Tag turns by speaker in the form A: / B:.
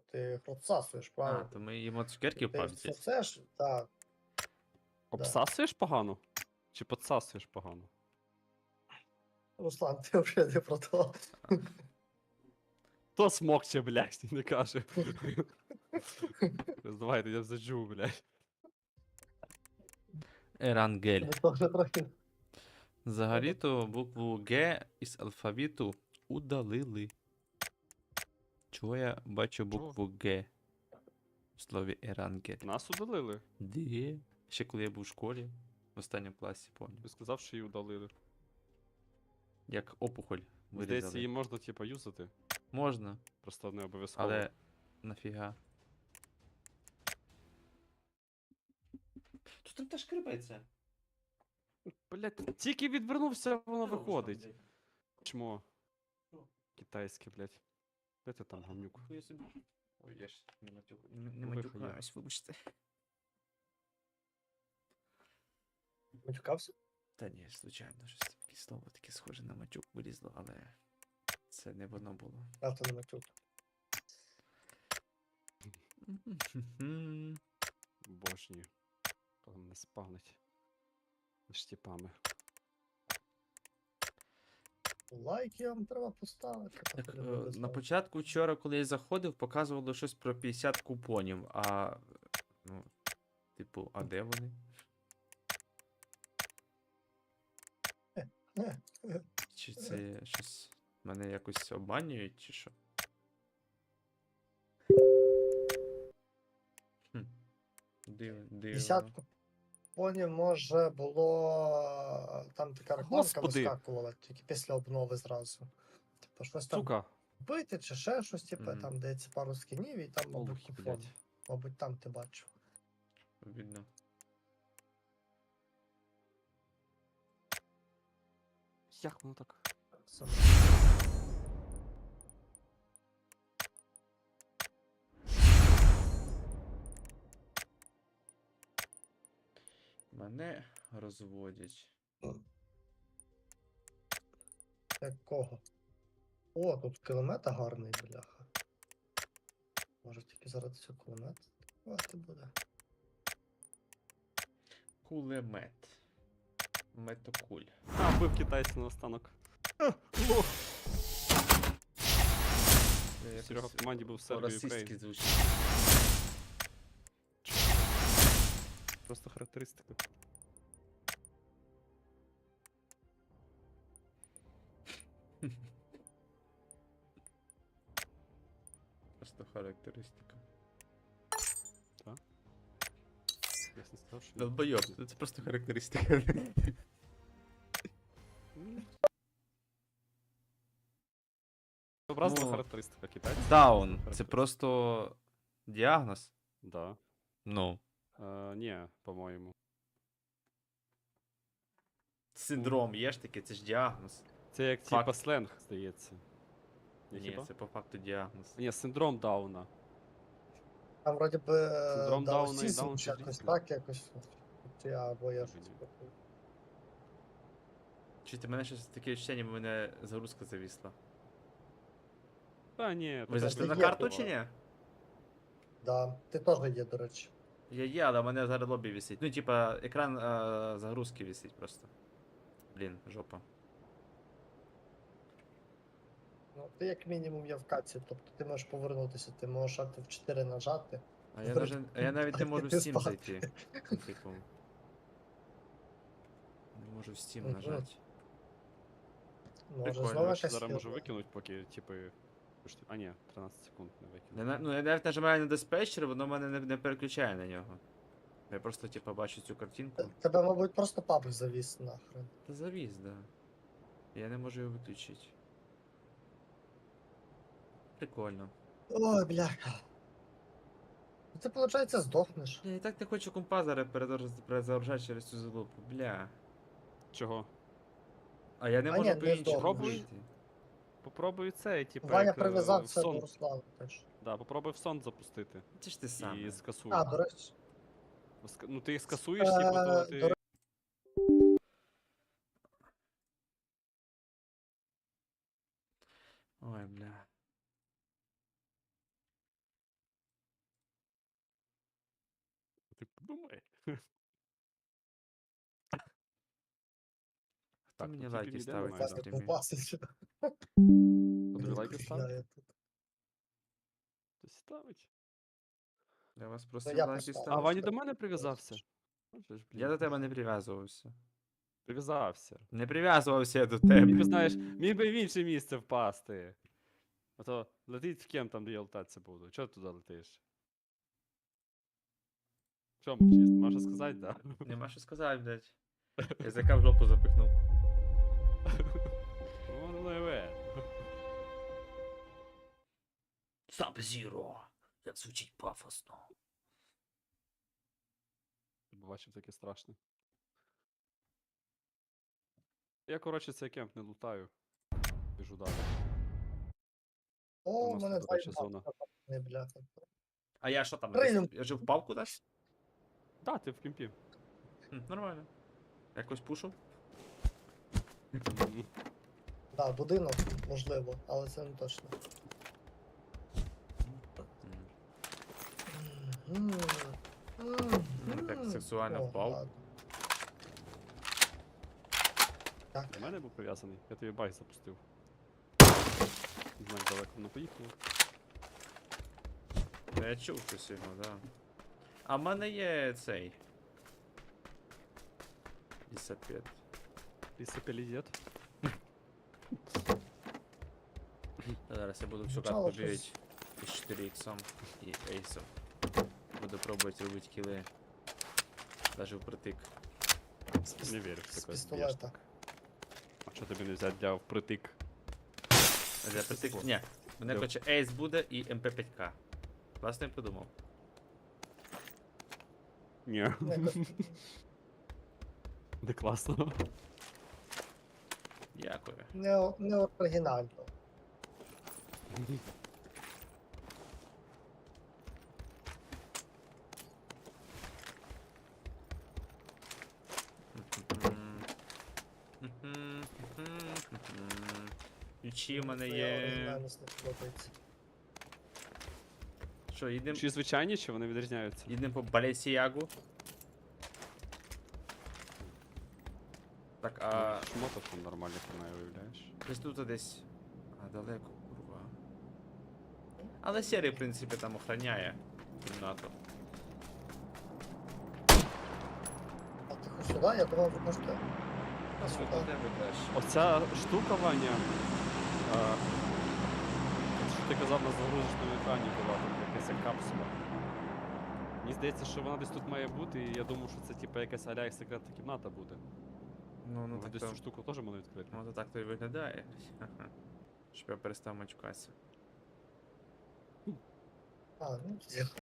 A: ти їх розсасуєш,
B: А,
A: правильно?
B: то ми їмо цукерки в
A: Ти
B: пабі.
A: все це ж, так.
C: Обсасуєш погано? Чи подсасуєш погано?
A: Руслан, ти вже не про то.
C: То смокче, блядь, не каже. Давайте, я заджу, блядь.
B: Ерангель.
A: Ми теж трохи.
B: Взагалі-то букву Г із алфавіту удалили. Чого я бачу букву Г в слові Ерангель?
C: Нас удалили.
B: Де? Ще коли я був в школі, в останньому класі, пам'ятаю.
C: Ти сказав, що її удалили.
B: Як опухоль
C: Здається,
B: вирізали.
C: її можна, типа, юзати.
B: Можна,
C: Просто не обов'язково.
B: але нафіга. Тут там теж крипається.
C: Блядь, тільки відвернувся, воно виходить. Чмо. Китайське, блядь. Де ти там, гамнюк?
B: Ой, я ж не
C: Вихуя.
B: матюкаюсь, вибачте.
A: Матюкався?
B: Та ні, звичайно, щось таке слово таке схоже на матюк вилізло, але це не воно було.
A: А то не матюк.
C: Божні. Коли мене спавнить. Між тіпами.
A: Лайки вам треба поставити.
B: Так,
A: поки не буде
B: на
A: ставити.
B: початку вчора, коли я заходив, показувало щось про 50 купонів, а. Ну, типу, а де вони? Чи це щось мене якось обманюють, чи що? Хм. Дивно.
A: Десятку понів, може, було там така рекламка
C: Господи!
A: вискакувала, тільки після обнови зразу. Типу, щось там
C: Сука.
A: купити чи ще щось, типу,
B: Мгм.
A: там дається пару скінів і там, мабуть,
C: Олухи,
A: купон.
C: блядь.
A: Мабуть, там ти бачив.
B: Видно.
C: Як воно так?
A: Це-
B: Мене розводять.
A: Якого? О, тут кулемета гарний, бляха. Може тільки заради цього кулемета купувати буде.
B: Кулемет. Метокуль.
C: А, бив китайця на останок. Лох. Серега в команді був Сербія і
B: Російський
C: Україна.
B: звучить.
C: Просто характеристика.
B: Просто характеристика.
C: Я не сказав, що ні.
B: Долбойоб, це просто характеристика.
C: Образна
B: Ну,
C: характеристика китайця.
B: Даун. Це
C: Характеристика.
B: просто діагноз.
C: Да.
B: Ну.
C: Ні, по-моєму.
B: Синдром є ж таке, це ж діагноз.
C: Це як
B: Факт.
C: типа сленг, здається.
B: Ні,
C: хіба?
B: це по факту діагноз.
C: Ні, синдром Дауна.
A: Там вроді би
C: Синдром Дауна і
A: даунсізм
C: Даун
A: чи
C: це
A: якось
C: різне.
A: так, якось. Або я щось.
B: Чуєте, мене щось таке відчуття, ніби мене загрузка завісла.
C: Та ні,
B: Ви
C: це
B: зайшли на
A: є
B: карту
C: буває.
B: чи ні?
A: Да, ти теж є, до речі.
B: Я є, але в мене зараз лобі висить. Ну, типа, екран загрузки висить просто. Блін, жопа.
A: Ну, ти як мінімум є в каці, тобто ти можеш повернутися, ти можеш в 4 нажати.
B: А я навіть не можу в
A: Ти
B: Steam
A: спати.
B: зайти. Ну, типу. Не можу в Steam
A: Мгм.
B: нажати.
A: Може,
B: Прикольно,
A: знову
C: Я ще
A: якась
C: зараз можу
A: фірма.
C: викинути, поки, типи. А ні, 13 секунд не
B: Я,
C: викину.
B: ну, я навіть нажимаю на диспетчер, воно мене не переключає на нього. Я просто, типа, бачу цю картинку.
A: Тебе, мабуть, просто паб завіс нахрен.
B: Та завіз, да. Я не можу його виключити. Прикольно.
A: Ой, бляха. Ну, ти, виходить, здохнеш.
B: Я і так не хочу компа зараз перезагружати через цю залупу, бля.
C: Чого?
B: А я не
A: А
B: можу
A: ні,
B: по
A: не
B: іншому
C: здохнеш.
B: вийти.
C: Попробуй це, типу,
A: Ваня
C: як, в
A: прив'язався
C: сон.
A: до Руслана теж.
C: Да, попробуй в сон запустити.
B: Це ж ти сам.
C: І скасуй.
A: А, до речі.
C: Ну ти їх скасуєш, типу, то
A: До
C: ти.
B: Ой, бля.
C: Думай.
B: Хто
C: Так,
B: мені
C: тут
B: лайки
C: ніде
B: ставить
C: немає,
B: на
C: да?
B: стрімі?
C: Тобі лайки ставити? Хтось ставить.
B: Я вас
A: я
B: просив лайки
A: поставлю.
C: А
B: ставити.
C: Ваня до мене прив'язався? Боже ж,
B: Я
C: блін.
B: до тебе не прив'язувався.
C: Прив'язався.
B: Не прив'язувався я до
C: Міг би,
B: тебе.
C: знаєш, міг би в інше місце впасти. А то летить в кем там, де я летатися буду. Чого ти туди летиш? Що мовчиш? Можеш сказати, да?
B: Нема що сказати, блядь. Язика в жопу запихнув.
C: Ну, не ви.
B: Sub-Zero. Як звучить пафосно.
C: Бачив таке страшне. Я, коротше, цей кемп не лутаю. Біжу далі.
A: О,
C: У
A: у
C: нас
A: мене
C: тут, до речі,
A: два
C: зона.
A: не бляха.
B: А я що там?
A: Прийдем.
B: Я жив впав кудись?
C: Да, ти в кемпі.
B: Нормально. Якось пушу?
A: Да, будинок, можливо, але це не точно.
B: Так сексуально
A: О,
B: впав.
A: ладно. Так,
C: До мене був прив'язаний. Я тобі байк запустив. Не знаю, як далеко воно поїхало.
B: Я чув щось його, да. А в мене є цей. Лісапет.
C: Лісопелізет.
B: Зараз я буду всю
A: Звучало
B: катку
A: щось.
B: бігати із 4 іксом і ейсом. Буду пробувати робити кіли. Даже впритик.
C: Не вірю в
A: з
C: таке.
A: пістолета.
C: А що тобі не взяти для впритик?
B: Для притик. Ні. Мене
C: Йо.
B: хоче ейс буде і МП5К. Власне я подумав.
C: Ні.
A: Якось
C: Не класно.
B: Дякую.
A: не оригінально.
B: Ключі в мене
A: Твоя
B: є.
A: оригінальність не подобається.
B: Що, їдемо
C: Чи звичайні, чи вони відрізняються?
B: по Балесіягу? Так, а
C: Шмоток там нормальних немає, виявляєш.
B: десь тут десь. А, далеко, курва. Але серій, в принципі, там охороняє кімнату.
A: А ти хоч сюди? Я думав, ви можете.
B: А що до тебе краще?
C: Оця штука, Ваня, що ти казав на загрузочному екрані була, там якась як капсула. Мені здається, що вона десь тут має бути, і я думав, що це типу якась аля як секретна кімната буде.
B: Ну,
C: Ну,
B: так
C: десь
B: то,
C: цю штуку теж можна відкрити.
B: ну, то так то і виглядає. Ха-ха. Щоб я перестав матюкатися.
A: А, ну,